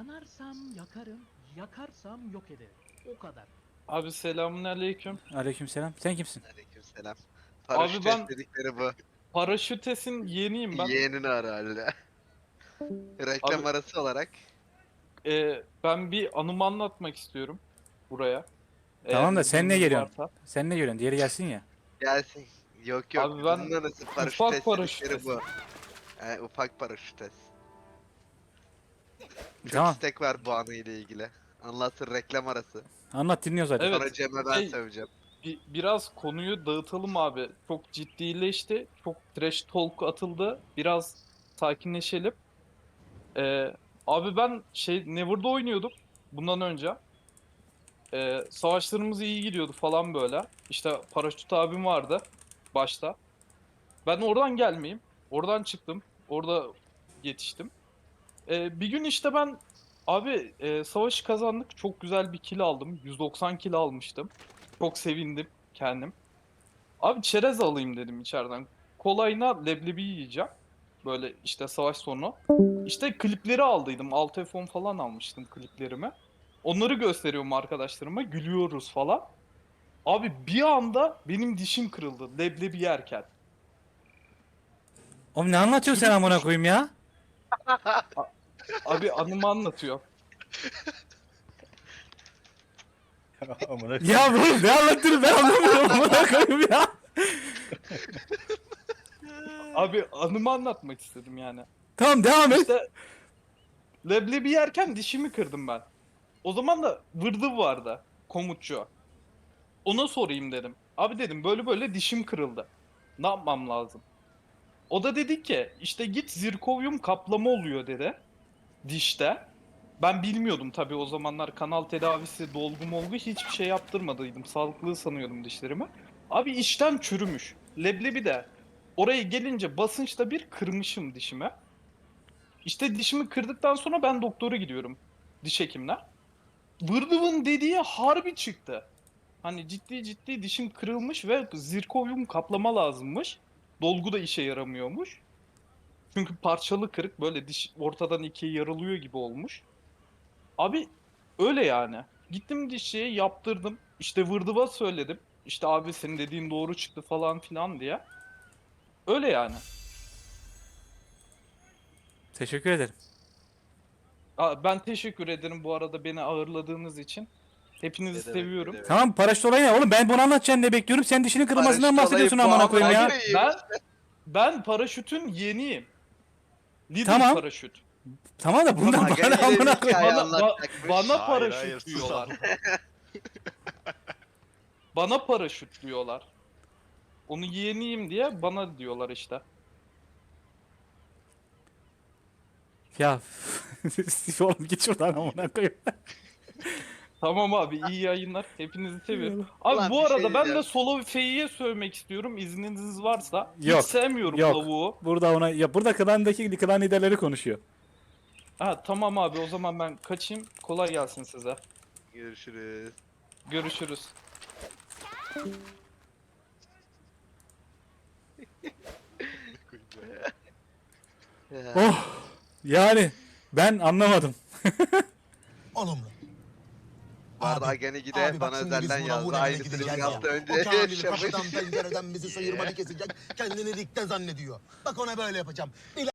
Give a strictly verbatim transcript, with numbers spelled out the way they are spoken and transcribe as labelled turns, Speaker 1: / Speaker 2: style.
Speaker 1: Yanarsam yakarım, yakarsam yok ederim. O kadar.
Speaker 2: Abi selamünaleyküm.
Speaker 3: Aleykümselam. Sen kimsin?
Speaker 4: Aleykümselam.
Speaker 2: Abi
Speaker 4: Paraşüt
Speaker 2: ben-
Speaker 4: dedikleri bu.
Speaker 2: Paraşütesin yeniyim ben.
Speaker 4: Yeğenin herhalde. Reklam
Speaker 2: Abi-
Speaker 4: arası olarak.
Speaker 2: Ee, ben bir anımı anlatmak istiyorum buraya.
Speaker 3: Tamam da
Speaker 2: Eğer
Speaker 3: sen ne
Speaker 2: izniniz
Speaker 3: geliyorsun?
Speaker 2: varsa.
Speaker 3: Sen ne görüyorsun? Diğeri gelsin ya.
Speaker 4: Gelsin. Yok yok.
Speaker 2: Abi ben
Speaker 4: Bunun arası paraşüt
Speaker 2: ufak
Speaker 4: test
Speaker 2: paraşüt
Speaker 4: dedikleri bu. Yani ufak paraşüt test. Çok
Speaker 3: Tamam.
Speaker 4: istek var bu anı ile ilgili. Anlatsın reklam arası.
Speaker 3: Anlat dinliyoruz hadi.
Speaker 2: Evet.
Speaker 4: Sonra Cem'e ben
Speaker 2: Şey-
Speaker 4: söveceğim.
Speaker 2: Bir, biraz konuyu dağıtalım abi. Çok ciddileşti. Çok trash talk atıldı. Biraz sakinleşelim. Ee, abi ben şey Never'da oynuyordum bundan önce. Ee, savaşlarımız iyi gidiyordu falan böyle. İşte paraşüt abim vardı başta. Ben oradan gelmeyeyim. Oradan çıktım. Orada yetiştim. Ee, bir gün işte ben abi e, savaşı kazandık. Çok güzel bir kill aldım. yüz doksan kill almıştım. Çok sevindim kendim. Abi çerez alayım dedim içeriden. Kolayına leblebi yiyeceğim. Böyle işte savaş sonu. İşte klipleri aldıydım. altı F on falan almıştım kliplerimi. Onları gösteriyorum arkadaşlarıma. Gülüyoruz falan. Abi bir anda benim dişim kırıldı leblebi yerken.
Speaker 3: Oğlum ne anlatıyorsun sen amına koyayım ya?
Speaker 2: Abi anımı anlatıyor.
Speaker 3: Ya bu ne anlattığını ben anlamıyorum amına koyayım ya.
Speaker 2: Abi anımı anlatmak istedim yani.
Speaker 3: Tamam devam et.
Speaker 2: İşte leblebi yerken dişimi kırdım ben. O zaman da vırdı vardı komutçu. Ona sorayım dedim. Abi dedim böyle böyle dişim kırıldı. Ne yapmam lazım? O da dedi ki işte git zirkovyum kaplama oluyor dedi. Dişte. Ben bilmiyordum tabii o zamanlar kanal tedavisi, dolgu molgu hiçbir şey yaptırmadıydım. Sağlıklı sanıyordum dişlerimi. Abi içten çürümüş. Leblebi de oraya gelince basınçta bir kırmışım dişime. İşte dişimi kırdıktan sonra ben doktora gidiyorum. Diş hekimine. Vırdıvın dediği harbi çıktı. Hani ciddi ciddi dişim kırılmış ve zirkovyum kaplama lazımmış. Dolgu da işe yaramıyormuş. Çünkü parçalı kırık böyle diş ortadan ikiye yarılıyor gibi olmuş. Abi öyle yani. Gittim dişçiye yaptırdım. İşte vırdıva söyledim. İşte abi senin dediğin doğru çıktı falan filan diye. Öyle yani.
Speaker 3: Teşekkür ederim.
Speaker 2: Aa, ben teşekkür ederim bu arada beni ağırladığınız için. Hepinizi
Speaker 4: Ne demek, ne
Speaker 2: seviyorum.
Speaker 4: demek.
Speaker 3: Tamam paraşüt olayı ne? Oğlum ben bunu anlatacaksın diye bekliyorum. Sen dişinin kırılmasından
Speaker 4: Paraşüt
Speaker 3: bahsediyorsun
Speaker 4: olayı bu
Speaker 3: amına koyayım ya.
Speaker 4: amına koyayım.
Speaker 2: Ben ben paraşütün yeniyim. Little
Speaker 3: Tamam.
Speaker 2: paraşüt.
Speaker 3: Tamam da bundan
Speaker 4: Aga
Speaker 3: bana
Speaker 4: yine
Speaker 3: amına
Speaker 4: bir
Speaker 3: koyayım.
Speaker 4: hikaye
Speaker 2: Bana, ba-
Speaker 4: anlatacakmış.
Speaker 2: bana
Speaker 5: Hayır,
Speaker 2: paraşüt
Speaker 5: hayır, sus
Speaker 2: diyorlar.
Speaker 5: oğlum.
Speaker 2: Bana paraşüt diyorlar. Onu yeğeniyim diye bana diyorlar işte.
Speaker 3: Ya oğlum git şuradan amına koyayım.
Speaker 2: Tamam abi iyi yayınlar. Hepinizi seviyorum. Abi
Speaker 4: Ulan
Speaker 2: bu
Speaker 4: bir şey
Speaker 2: arada ben de
Speaker 4: diyeceğim.
Speaker 2: Solo Fey'i'ye sövmek istiyorum. İzniniz varsa.
Speaker 3: Yok,
Speaker 2: Hiç sevmiyorum
Speaker 3: yok.
Speaker 2: lavuğu.
Speaker 3: Burada ona ya burada klandaki klan liderleri konuşuyor.
Speaker 2: Ha tamam abi o zaman ben kaçayım. Kolay gelsin size.
Speaker 4: Görüşürüz.
Speaker 2: Görüşürüz.
Speaker 3: Oh yani ben anlamadım.
Speaker 6: Olumlu.
Speaker 4: Bu arada
Speaker 6: Abi,
Speaker 4: Agani Gide
Speaker 6: abi bak
Speaker 4: bana
Speaker 6: şimdi biz
Speaker 4: özelden
Speaker 6: buna
Speaker 4: yazdı.
Speaker 6: Muğla'ya
Speaker 4: Aynısını
Speaker 6: gideceğiz
Speaker 4: bir
Speaker 6: ya.
Speaker 4: hafta önce
Speaker 6: O Kamil
Speaker 4: yaşamış.
Speaker 6: kapıdan pencereden bizi sıyırmanı kesecek. Kendini ligde zannediyor. Bak ona böyle yapacağım.